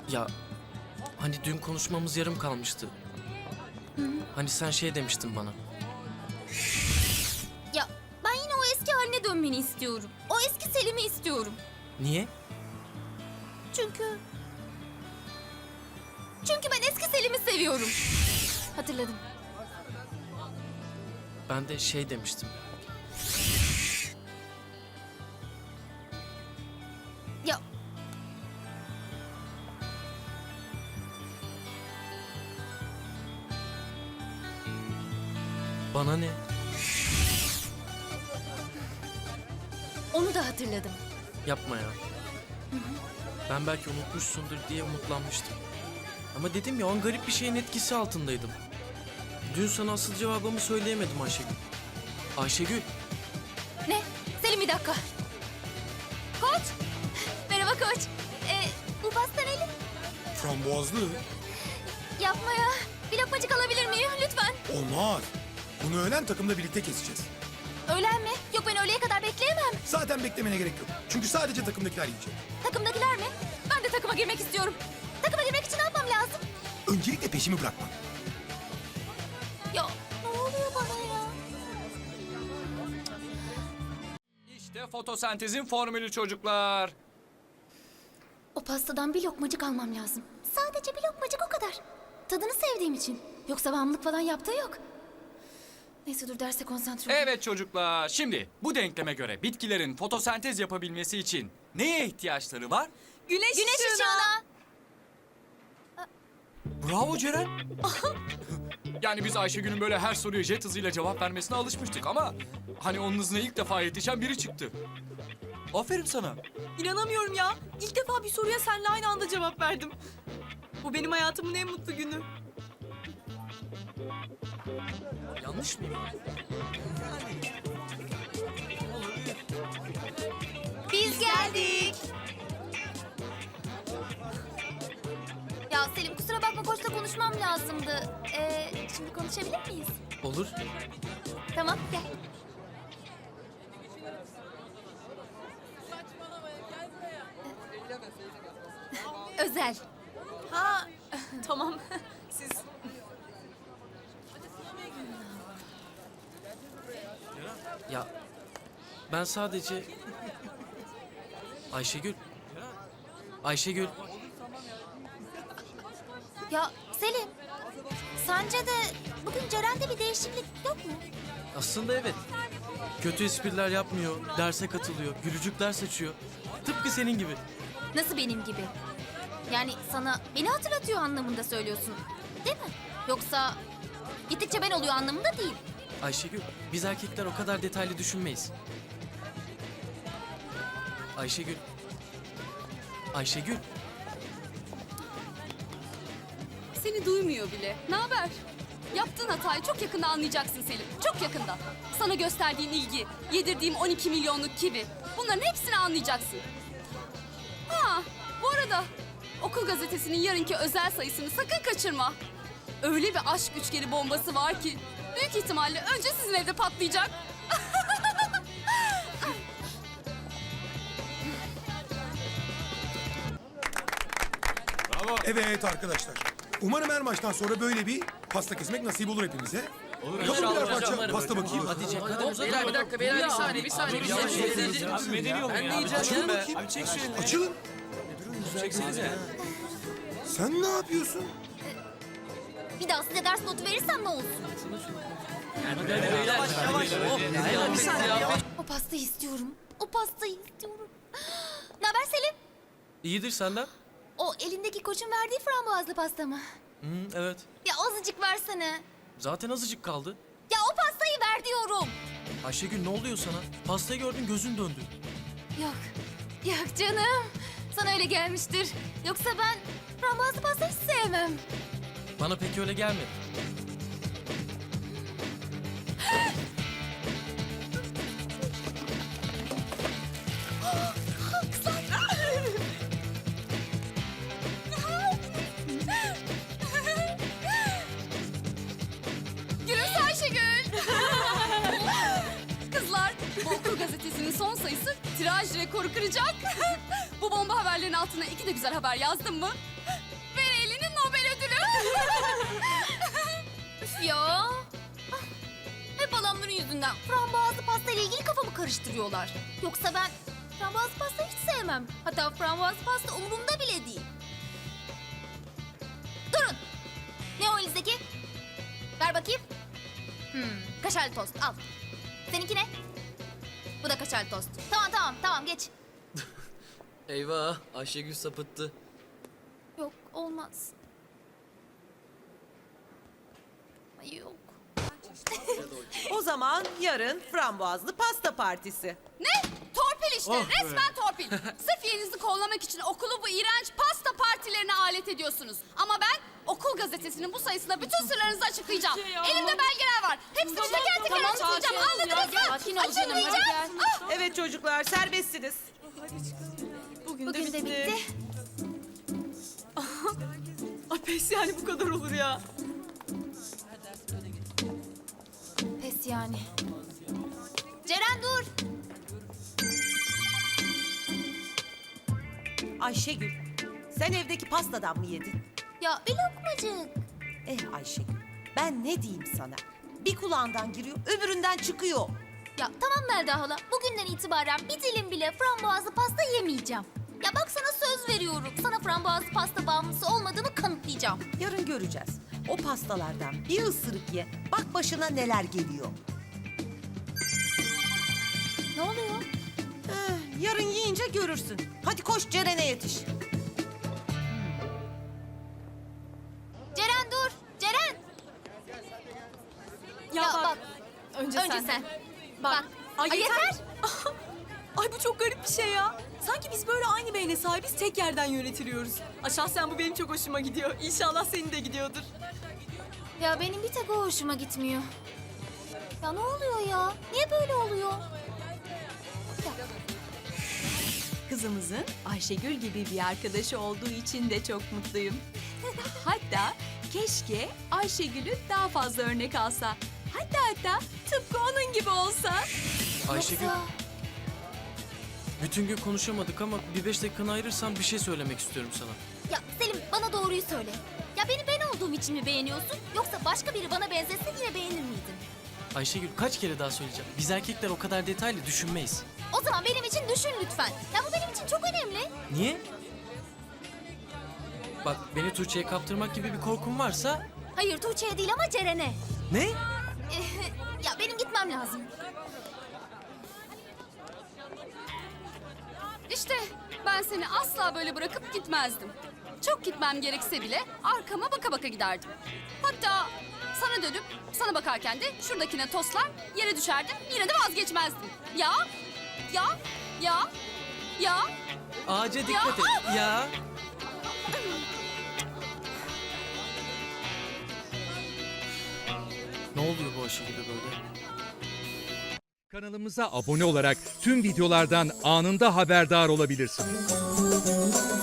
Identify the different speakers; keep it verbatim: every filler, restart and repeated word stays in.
Speaker 1: Ya hani dün konuşmamız yarım kalmıştı. Hani sen şey demiştin bana.
Speaker 2: Ya ben yine o eski haline dönmeni istiyorum. O eski Selim'i istiyorum.
Speaker 1: Niye?
Speaker 2: Çünkü... Çünkü ben eski Selim'i seviyorum. Hatırladım.
Speaker 1: Ben de şey demiştim.
Speaker 2: Ya
Speaker 1: Bana ne?
Speaker 2: onu da hatırladım.
Speaker 1: Yapma ya. Ben belki unutmuşsundur diye umutlanmıştım. Ama dedim ya, o an garip bir şeyin etkisi altındaydım. Dün sana asıl cevabımı söyleyemedim Ayşegül. Ayşegül.
Speaker 2: Ne? Selim bir dakika. Koç. Merhaba koç. Ee, bu pasta neli?
Speaker 3: Frambuazlı.
Speaker 2: Yapma ya. Bir lokmacık alabilir miyim lütfen?
Speaker 3: Olmaz. Bunu öğlen takımla birlikte keseceğiz.
Speaker 2: Öğlen mi? Yok ben öğleye kadar bekleyemem.
Speaker 3: Zaten beklemene gerek yok. Çünkü sadece takımdakiler yiyecek.
Speaker 2: Takımdakiler mi? Ben de takıma girmek istiyorum. Takıma girmek için ne yapmam lazım?
Speaker 3: Öncelikle peşimi bırakma.
Speaker 2: Ya ne oluyor bana ya?
Speaker 4: İşte fotosentezin formülü çocuklar.
Speaker 2: O pastadan bir lokmacık almam lazım. Sadece bir lokmacık o kadar. Tadını sevdiğim için. Yoksa bağımlılık falan yaptığı yok. Neyse dur derse konsantre olayım.
Speaker 4: Evet çocuklar, şimdi bu denkleme göre bitkilerin fotosentez yapabilmesi için neye ihtiyaçları var?
Speaker 5: Güneş,
Speaker 2: Güneş
Speaker 5: ışığına.
Speaker 2: ışığına.
Speaker 4: Bravo Ceren. Yani biz Ayşegül'ün böyle her soruya jet hızıyla cevap vermesine alışmıştık ama... ...hani onun hızına ilk defa yetişen biri çıktı. Aferin sana.
Speaker 5: İnanamıyorum ya. İlk defa bir soruya seninle aynı anda cevap verdim. Bu benim hayatımın en mutlu günü.
Speaker 1: Yanlış mıyım?
Speaker 2: Biz geldik. Ya Selim kusura bakma koçla konuşmam lazımdı. Ee, şimdi konuşabilir miyiz?
Speaker 1: Olur.
Speaker 2: Tamam gel. Özel.
Speaker 5: Ha tamam. Siz
Speaker 1: Ya ben sadece... Ayşegül. Ayşegül.
Speaker 2: Ya Selim, sence de bugün Ceren'de bir değişiklik yok mu?
Speaker 1: Aslında evet. Kötü espriler yapmıyor, derse katılıyor, gülücükler saçıyor. Tıpkı senin gibi.
Speaker 2: Nasıl benim gibi? Yani sana beni hatırlatıyor anlamında söylüyorsun, değil mi? Yoksa gittikçe ben oluyor anlamında değil.
Speaker 1: Ayşegül, biz erkekler o kadar detaylı düşünmeyiz. Ayşegül. Ayşegül.
Speaker 6: Seni duymuyor bile. Ne haber? Yaptığın hatayı çok yakında anlayacaksın Selim. Çok yakında. Sana gösterdiğin ilgi, yedirdiğim on iki milyonluk kibi. Bunların hepsini anlayacaksın. Ha, bu arada okul gazetesinin yarınki özel sayısını sakın kaçırma. Öyle bir aşk üçgeni bombası var ki büyük ihtimalle önce sizin evde patlayacak.
Speaker 3: Evet arkadaşlar. Umarım her maçtan sonra böyle bir pasta kesmek nasip olur hepimize. Olur. Kapın birer parça pasta bakayım.
Speaker 1: Hadi Cem, hadi uzat.
Speaker 7: Beyler bir dakika beyler bir saniye bir saniye. Bir saniye.
Speaker 4: Abi medeni olun ya.
Speaker 3: Açılın bakayım.
Speaker 4: Abi çek şu elini.
Speaker 3: Açılın.
Speaker 4: Çeksenize.
Speaker 3: Sen ne yapıyorsun?
Speaker 2: Bir daha size ders notu verirsem ne olsun?
Speaker 7: Yavaş yavaş. Beyler bir saniye.
Speaker 2: O pastayı istiyorum. O pastayı istiyorum. Ne haber Selim?
Speaker 1: İyidir senden.
Speaker 2: O elindeki koçun verdiği frambuazlı pasta mı?
Speaker 1: Hı, evet.
Speaker 2: Ya azıcık versene.
Speaker 1: Zaten azıcık kaldı.
Speaker 2: Ya o pastayı ver diyorum.
Speaker 1: Ayşegül, ne oluyor sana? Pastayı gördün, gözün döndü.
Speaker 2: Yok. Yok canım. Sana öyle gelmiştir. Yoksa ben frambuazlı pasta hiç sevmem.
Speaker 1: Bana pek öyle gelmedi.
Speaker 6: Gülümse Ayşegül. Kızlar, bu okul gazetesinin son sayısı tiraj rekoru kıracak. Bu bomba haberlerin altına iki de güzel haber yazdım mı?
Speaker 2: Üf ya. Ah, hep adamların yüzünden frambuazlı pasta ile ilgili kafamı karıştırıyorlar. Yoksa ben frambuazlı pasta hiç sevmem. Hatta frambuazlı pasta umurumda bile değil. Durun. Ne o elinizdeki? Ver bakayım. Hmm, kaşarlı tost al. Seninki ne? Bu da kaşarlı tost. Tamam tamam tamam geç.
Speaker 7: Eyvah Ayşegül sapıttı.
Speaker 2: Yok olmaz. Ay yok.
Speaker 8: O zaman yarın frambuazlı pasta partisi.
Speaker 6: Ne? Torpil işte.
Speaker 1: Oh be.
Speaker 6: Resmen torpil. Sırf yerinizi kollamak için okulu bu iğrenç pasta partilerine alet ediyorsunuz. Ama ben okul gazetesinin bu sayısında bütün sırlarınızı açıklayacağım. Elimde belgeler var. Hepsini teker teker açıklayacağım. Anladınız mı?
Speaker 2: Sakin ol canım, hadi
Speaker 6: Açıklayacağım. Ah!
Speaker 8: Evet çocuklar serbestsiniz.
Speaker 5: Bugün,
Speaker 2: Bugün de bitti.
Speaker 5: Ay pes yani bu kadar olur ya.
Speaker 2: Pes yani. Ceren dur.
Speaker 8: Ayşegül, sen evdeki pastadan mı yedin?
Speaker 2: Ya bir lokmacık.
Speaker 8: Eh Ayşegül, ben ne diyeyim sana? Bir kulağından giriyor, öbüründen çıkıyor.
Speaker 2: Ya tamam Melda hala. Bugünden itibaren bir dilim bile frambuazlı pasta yemeyeceğim. Ya bak sana söz veriyorum. Sana frambuazlı pasta bağımlısı olmadığımı kanıtlayacağım.
Speaker 8: Yarın göreceğiz. O pastalardan bir ısırık ye, bak başına neler geliyor.
Speaker 2: Ne oluyor?
Speaker 8: Eh, yarın yiyince görürsün. Hadi koş Ceren'e yetiş.
Speaker 2: Ceren dur. Ceren.
Speaker 5: Ya,
Speaker 2: Ya
Speaker 5: bak,
Speaker 2: bak.
Speaker 5: Önce,
Speaker 2: Önce
Speaker 5: sen.
Speaker 2: sen.
Speaker 5: Bak.
Speaker 2: Ay,
Speaker 5: Ay,
Speaker 2: yeter.
Speaker 5: yeter. Ay bu çok garip bir şey ya. Sanki biz böyle aynı beyne sahibiz, tek yerden yönetiliyoruz. Aa, şahsen bu benim çok hoşuma gidiyor. İnşallah senin de gidiyordur.
Speaker 2: Ya benim bir tek o hoşuma gitmiyor. Ya ne oluyor ya? Niye böyle oluyor?
Speaker 9: Kızımızın Ayşegül gibi bir arkadaşı olduğu için de çok mutluyum. Hatta keşke Ayşegül'ü daha fazla örnek alsa. Hatta hatta tıpkı onun gibi olsa.
Speaker 1: Ayşegül,
Speaker 2: Yoksa...
Speaker 1: bütün gün konuşamadık ama bir beş dakikanı ayırırsan bir şey söylemek istiyorum sana.
Speaker 2: Ya Selim bana doğruyu söyle. Ya beni ben olduğum için mi beğeniyorsun? Yoksa başka biri bana benzese yine beğenir miydin?
Speaker 1: Ayşegül kaç kere daha söyleyeceğim. Biz erkekler o kadar detaylı düşünmeyiz.
Speaker 2: O zaman benim için düşün lütfen. Ya bu benim için çok önemli.
Speaker 1: Niye? Bak beni Tuğçe'ye kaptırmak gibi bir korkun varsa...
Speaker 2: Hayır Tuğçe'ye değil ama Ceren'e.
Speaker 1: Ne?
Speaker 2: Ya benim gitmem lazım.
Speaker 6: İşte ben seni asla böyle bırakıp gitmezdim. Çok gitmem gerekse bile arkama baka baka giderdim. Hatta sana dönüp sana bakarken de şuradakine toslar yere düşerdim. Yine de vazgeçmezdim. Ya, ya, ya, ya.
Speaker 1: Ağaca dikkat et. Ya. Ne oluyor bu Ayşegül'e böyle?
Speaker 10: Kanalımıza abone olarak tüm videolardan anında haberdar olabilirsiniz.